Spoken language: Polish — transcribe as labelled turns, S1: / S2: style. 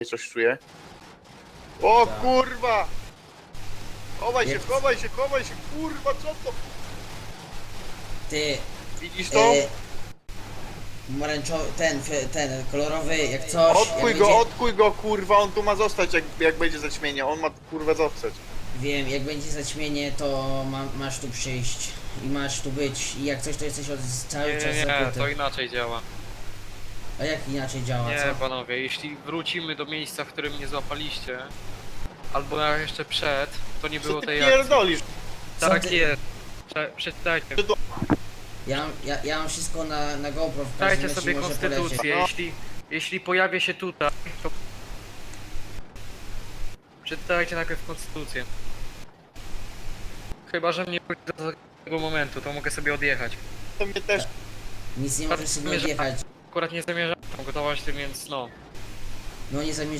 S1: Coś czuję. O
S2: Tak.
S1: kurwa! Chowaj się,
S2: Jest.
S1: chowaj się, chowaj się, kurwa, co to?
S2: Ty,
S1: Widzisz to?
S2: pomarańczowy, ten kolorowy, jak coś.
S1: Odkuj go, kurwa, on tu ma zostać, jak będzie zaćmienie, on ma kurwa zostać.
S2: Wiem, jak będzie zaćmienie, to masz tu przyjść i masz tu być i jak coś, to jesteś cały czas
S3: Nie,
S2: zakryty.
S3: to inaczej działa.
S2: A jak inaczej działa,
S3: Nie,
S2: co?
S3: panowie, jeśli wrócimy do miejsca, w którym mnie złapaliście, albo jeszcze przed, to nie
S1: Co
S3: było
S1: ty
S3: tej akcji.
S1: pierdolisz?
S3: Tak
S2: Co ty-
S3: jest. Przeczytajcie.
S2: Ja mam wszystko na GoPro, w każdym
S3: Przeczytajcie
S2: razie
S3: sobie
S2: może
S3: konstytucję.
S2: polecieć.
S3: Jeśli pojawię się tutaj, to... Przeczytajcie najpierw konstytucję. Chyba, że mnie pójdzie do tego momentu, to mogę sobie odjechać.
S1: To mnie też.
S2: Nic nie możesz sobie odjechać.
S3: Akurat nie zamierzam gotować tym, więc no.
S2: No nie zamierzam